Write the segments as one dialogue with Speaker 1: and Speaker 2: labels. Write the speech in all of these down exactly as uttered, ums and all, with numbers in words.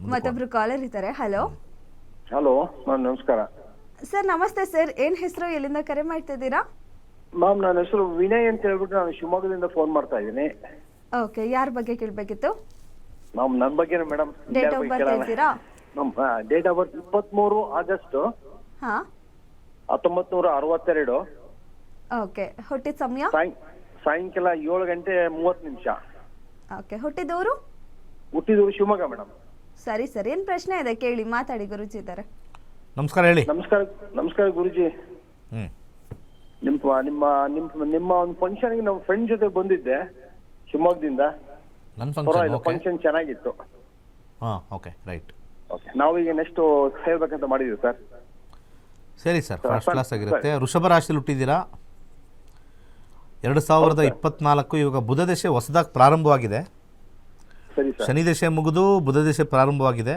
Speaker 1: ಮತ್ತೊಬ್ರು ಕಾಲರ್ ಇದ್ದಾರೆ. Hello
Speaker 2: hello ma'am ನಮಸ್ಕಾರ.
Speaker 1: ಸರ್ ನಮಸ್ತೆ ಸರ್, ಏನ್ ಹೆಸರು, ಎಲ್ಲಿಂದ ಕರೆ ಮಾಡ್ತಿದ್ದೀರಾ?
Speaker 2: ಮ್ಯಾಮ್ ನನ್ನ ಹೆಸರು ವಿನಯ್ ಅಂತ ಹೇಳ್ಬಿಟ್ಟು ನಾನು ಶಿವಮೊಗ್ಗದಿಂದ ಫೋನ್ ಮಾಡ್ತಾ ಇದ್ದೀನಿ.
Speaker 1: ಓಕೆ, ಯಾರ ಬಗ್ಗೆ ಕೇಳಬೇಕಿತ್ತು?
Speaker 2: ಮ್ಯಾಮ್ ನನ್ನ ಬಗ್ಗೆ ಮೇಡಮ್
Speaker 1: ಡೇಟ್ ಆಫ್ ಬರ್ತ್ ಹೇಳ್ತೀರಾ?
Speaker 2: ಮ್ಯಾಮ್ ಡೇಟ್ ಆಫ್ ಬರ್ತ್ ಇಪ್ಪತ್ಮೂರು ಆಗಸ್ಟ್
Speaker 1: ಹಾ,
Speaker 2: ಹತ್ತೊಂಬತ್ ನೂರ ಅರವತ್ತೆರಡು.
Speaker 1: ಓಕೆ. ಹುಟ್ಟಿದ ಸಮಯ?
Speaker 2: ಸಾಯಂ- ಸಾಯಂಕಾಲ ಏಳು ಗಂಟೆ ಮೂವತ್ತು ನಿಮಿಷ.
Speaker 1: ಓಕೆ. ಹುಟ್ಟಿದವರು?
Speaker 2: ಹುಟ್ಟಿದೂರು ಶಿವಮೊಗ್ಗ ಮೇಡಮ್.
Speaker 1: ಸರಿ ಸರ್, ಏನ್ ಪ್ರಶ್ನೆ ಇದೆ ಕೇಳಿ, ಮಾತಾಡಿ, ಗುರುಜಿ ಇದ್ದಾರೆ.
Speaker 3: ನಮಸ್ಕಾರ, ಹೇಳಿ.
Speaker 2: ನಮಸ್ಕಾರ ನಮಸ್ಕಾರ ಗುರುಜಿ.
Speaker 3: ಹ್ಮ್
Speaker 2: ನಿಮ್ಮ ನಿಮ್ಮ ನಿಮ್ಮ ನಿಮ್ಮ ಒಂದು ಫಂಕ್ಷನ್ಗೆ ನಮ್ಮ ಫ್ರೆಂಡ್ ಜೊತೆ ಬಂದಿದ್ದೆ ಶಿವಮೊಗ್ಗದಿಂದ.
Speaker 3: ನನ್ನ ಫಂಕ್ಷನ್ ಓಕೆ.
Speaker 2: ಫಂಕ್ಷನ್ ಚೆನ್ನಾಗಿತ್ತು.
Speaker 3: ಹಾಂ ಓಕೆ, ರೈಟ್.
Speaker 2: ಓಕೆ, ನಾವೀಗ ನೆಕ್ಸ್ಟ್ ಸೇರ್ಬೇಕಂತ ಮಾಡಿದ್ವಿ ಸರ್.
Speaker 3: ಸರಿ ಸರ್, ಫಸ್ಟ್ ಕ್ಲಾಸ್ ಆಗಿರುತ್ತೆ. ವೃಷಭ ರಾಶಿಯಲ್ಲಿ ಹುಟ್ಟಿದ್ದೀರಾ. ಎರಡು ಸಾವಿರದ ಇಪ್ಪತ್ನಾಲ್ಕು ಇವಾಗ ಬುಧ ದಶೆ ಹೊಸದಾಗಿ ಪ್ರಾರಂಭವಾಗಿದೆ.
Speaker 2: ಸರಿ ಸರ್.
Speaker 3: ಶನಿ ದಶೆ ಮುಗಿದು ಬುಧ ದಶೆ ಪ್ರಾರಂಭವಾಗಿದೆ.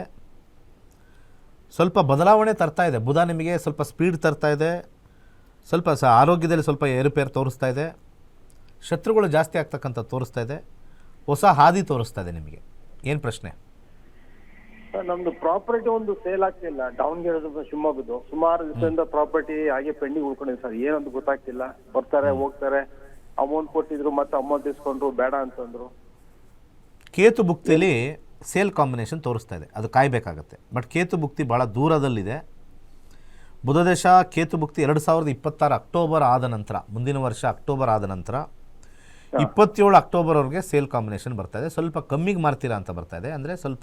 Speaker 3: ಸ್ವಲ್ಪ ಬದಲಾವಣೆ ತರ್ತಾ ಇದೆ. ಬುಧ ನಿಮಗೆ ಸ್ವಲ್ಪ ಸ್ಪೀಡ್ ತರ್ತಾ ಇದೆ. ಸ್ವಲ್ಪ ಸ ಆರೋಗ್ಯದಲ್ಲಿ ಸ್ವಲ್ಪ ಏರುಪೇರು ತೋರಿಸ್ತಾ ಇದೆ. ಶತ್ರುಗಳು ಜಾಸ್ತಿ ಆಗ್ತಕ್ಕಂಥ ತೋರಿಸ್ತಾ ಇದೆ. ಹೊಸ ಹಾದಿ ತೋರಿಸ್ತಾ ಇದೆ ನಿಮಗೆ. ಏನು ಪ್ರಶ್ನೆ?
Speaker 2: ಸರ್, ನಮ್ದು ಪ್ರಾಪರ್ಟಿ ಒಂದು ಸೇಲ್ ಆಗ್ತಿಲ್ಲ. ದಾವಣಗೆರೆ ಶಿವಮೊಗ್ಗದ್ದು ಸುಮಾರು ದಿವಸದಿಂದ ಪ್ರಾಪರ್ಟಿ ಹಾಗೆ ಪೆಂಡಿಂಗ್ ಉಳ್ಕೊಂಡಿದೆ ಸರ್. ಏನಂತ ಗೊತ್ತಾಗ್ತಿಲ್ಲ. ಬರ್ತಾರೆ ಹೋಗ್ತಾರೆ, ಅಮೌಂಟ್ ಕೊಟ್ಟಿದ್ರು ಮತ್ತೆ ಅಮೌಂಟ್ ಇಸ್ಕೊಂಡ್ರು, ಬೇಡ ಅಂತಂದ್ರು.
Speaker 3: ಕೇತು ಭುಕ್ತಿಯಲ್ಲಿ ಸೇಲ್ ಕಾಂಬಿನೇಷನ್ ತೋರಿಸ್ತಾ ಇದೆ. ಅದು ಕಾಯಬೇಕಾಗತ್ತೆ. ಬಟ್ ಕೇತು ಭುಕ್ತಿ ಭಾಳ ದೂರದಲ್ಲಿದೆ. ಬುಧದೇಶ ಕೇತು ಭುಕ್ತಿ ಎರಡು ಸಾವಿರದ ಇಪ್ಪತ್ತಾರು ಅಕ್ಟೋಬರ್ ಆದ ನಂತರ, ಮುಂದಿನ ವರ್ಷ ಅಕ್ಟೋಬರ್ ಆದ ನಂತರ ಇಪ್ಪತ್ತೇಳು ಅಕ್ಟೋಬರ್ವರೆಗೆ ಸೇಲ್ ಕಾಂಬಿನೇಷನ್ ಬರ್ತಾ ಇದೆ. ಸ್ವಲ್ಪ ಕಮ್ಮಿಗೆ ಮಾರ್ತೀರಾ ಅಂತ ಬರ್ತಾ ಇದೆ. ಅಂದರೆ ಸ್ವಲ್ಪ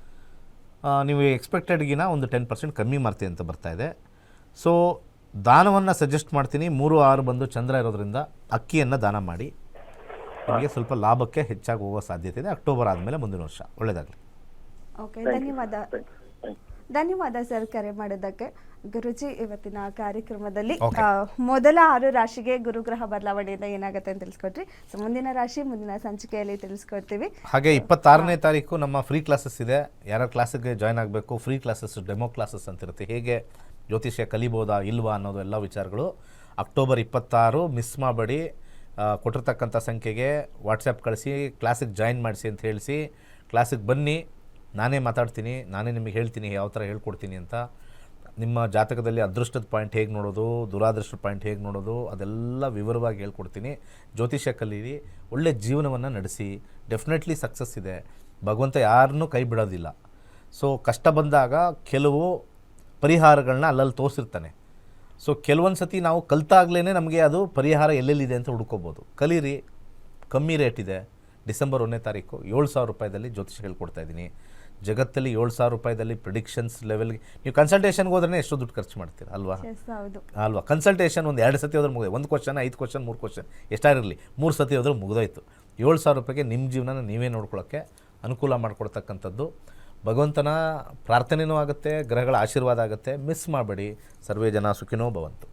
Speaker 3: ನೀವು ಎಕ್ಸ್ಪೆಕ್ಟೆಡ್ಗಿನ ಒಂದು ಟೆನ್ ಪರ್ಸೆಂಟ್ ಕಮ್ಮಿ ಮಾರ್ತೀವಿ ಅಂತ ಬರ್ತಾ ಇದೆ. ಸೊ ದಾನವನ್ನು ಸಜೆಸ್ಟ್ ಮಾಡ್ತೀನಿ. ಮೂರು ಆರು ಬಂದು ಚಂದ್ರ ಇರೋದ್ರಿಂದ ಅಕ್ಕಿಯನ್ನು ದಾನ ಮಾಡಿ. ನಿಮಗೆ ಸ್ವಲ್ಪ ಲಾಭಕ್ಕೆ ಹೆಚ್ಚಾಗಿ ಹೋಗೋ ಸಾಧ್ಯತೆ ಇದೆ. ಅಕ್ಟೋಬರ್ ಆದಮೇಲೆ ಮುಂದಿನ ವರ್ಷ. ಒಳ್ಳೆಯದಾಗಲಿ.
Speaker 1: ಓಕೆ, ಧನ್ಯವಾದ. ಧನ್ಯವಾದ ಸರ್ ಕರೆ ಮಾಡೋದಕ್ಕೆ. ಗುರುಜಿ, ಇವತ್ತಿನ ಕಾರ್ಯಕ್ರಮದಲ್ಲಿ ಆ, ಮೊದಲ ಆರು ರಾಶಿಗೆ ಗುರುಗ್ರಹ ಬದಲಾವಣೆಯಿಂದ ಏನಾಗುತ್ತೆ ಅಂತ ತಿಳಿಸ್ಕೊಟ್ರಿ. ಸೊ ಮುಂದಿನ ರಾಶಿ ಮುಂದಿನ ಸಂಚಿಕೆಯಲ್ಲಿ ತಿಳಿಸ್ಕೊಡ್ತೀವಿ.
Speaker 3: ಹಾಗೆ ಇಪ್ಪತ್ತಾರನೇ ತಾರೀಕು ನಮ್ಮ ಫ್ರೀ ಕ್ಲಾಸಸ್ ಇದೆ. ಯಾರ ಕ್ಲಾಸಿಗೆ ಜಾಯ್ನ್ ಆಗಬೇಕು, ಫ್ರೀ ಕ್ಲಾಸಸ್, ಡೆಮೋ ಕ್ಲಾಸಸ್ ಅಂತಿರುತ್ತೆ. ಹೇಗೆ ಜ್ಯೋತಿಷ್ಯ ಕಲಿಬೋದಾ ಇಲ್ವಾ ಅನ್ನೋದು ಎಲ್ಲ ವಿಚಾರಗಳು ಅಕ್ಟೋಬರ್ ಇಪ್ಪತ್ತಾರು ಮಿಸ್ ಮಾಡಬೇಡಿ. ಕೊಟ್ಟಿರ್ತಕ್ಕಂಥ ಸಂಖ್ಯೆಗೆ ವಾಟ್ಸಪ್ ಕಳಿಸಿ ಕ್ಲಾಸಿಗೆ ಜಾಯಿನ್ ಮಾಡಿಸಿ ಅಂತ ಹೇಳಿಸಿ ಕ್ಲಾಸಿಗೆ ಬನ್ನಿ. ನಾನೇ ಮಾತಾಡ್ತೀನಿ, ನಾನೇ ನಿಮಗೆ ಹೇಳ್ತೀನಿ ಯಾವ ಥರ ಹೇಳ್ಕೊಡ್ತೀನಿ ಅಂತ. ನಿಮ್ಮ ಜಾತಕದಲ್ಲಿ ಅದೃಷ್ಟದ ಪಾಯಿಂಟ್ ಹೇಗೆ ನೋಡೋದು, ದುರಾದೃಷ್ಟದ ಪಾಯಿಂಟ್ ಹೇಗೆ ನೋಡೋದು, ಅದೆಲ್ಲ ವಿವರವಾಗಿ ಹೇಳ್ಕೊಡ್ತೀನಿ. ಜ್ಯೋತಿಷ್ಯ ಕಲೀರಿ, ಒಳ್ಳೆ ಜೀವನವನ್ನು ನಡೆಸಿ. ಡೆಫಿನೆಟ್ಲಿ ಸಕ್ಸಸ್ ಇದೆ. ಭಗವಂತ ಯಾರನ್ನೂ ಕೈ ಬಿಡೋದಿಲ್ಲ. ಸೊ ಕಷ್ಟ ಬಂದಾಗ ಕೆಲವು ಪರಿಹಾರಗಳನ್ನ ಅಲ್ಲಲ್ಲಿ ತೋರಿಸಿರ್ತಾನೆ. ಸೊ ಕೆಲವೊಂದು ಸತಿ ನಾವು ಕಲ್ತಾಗ್ಲೇ ನಮಗೆ ಅದು ಪರಿಹಾರ ಎಲ್ಲೆಲ್ಲಿದೆ ಅಂತ ಹುಡ್ಕೋಬೋದು. ಕಲೀರಿ, ಕಮ್ಮಿ ರೇಟ್ ಇದೆ. ಡಿಸೆಂಬರ್ ಒಂದನೇ ತಾರೀಕು ಏಳು ಸಾವಿರ ರೂಪಾಯಿದಲ್ಲಿ ಜ್ಯೋತಿಷ್ಯ ಹೇಳ್ಕೊಡ್ತಾ ಇದ್ದೀನಿ. ಜಗತ್ತಲ್ಲಿ ಏಳು ಸಾವಿರ ರೂಪಾಯಿದಲ್ಲಿ ಪ್ರಿಡಿಕ್ಷನ್ಸ್ ಲೆವೆಲ್ಗೆ ನೀವು ಕನ್ಸಲ್ಟೇಷನ್ಗೆ ಹೋದ್ರೆ ಎಷ್ಟು ದುಡ್ಡು ಖರ್ಚು ಮಾಡ್ತೀರ ಅಲ್ವಾ? ಅಲ್ವಾ? ಕನ್ಸಲ್ಟೇಷನ್ ಒಂದು ಎರಡು ಸತಿ ಹೋದ್ರೆ ಮುಗಿದು, ಒಂದು ಕ್ವಶನ್ ಐದು ಕ್ವಶನ್ ಮೂರು ಕ್ವಶನ್ ಎಷ್ಟಾಗಿರಲಿ ಮೂರು ಸತಿ ಹೋದ್ರೆ ಮುಗಿದೋಯ್ತು. ಏಳು ಸಾವಿರ ರೂಪಾಯಿಗೆ ನಿಮ್ಮ ಜೀವನ ನೀವೇ ನೋಡ್ಕೊಳ್ಳೋಕ್ಕೆ ಅನುಕೂಲ ಮಾಡಿಕೊಡ್ತಕ್ಕಂಥದ್ದು. ಭಗವಂತನ ಪ್ರಾರ್ಥನೆಯೂ ಆಗುತ್ತೆ, ಗ್ರಹಗಳ ಆಶೀರ್ವಾದ ಆಗುತ್ತೆ. ಮಿಸ್ ಮಾಡಬೇಡಿ. ಸರ್ವೇ ಜನ ಸುಖಿನೋ ಭವಂತು.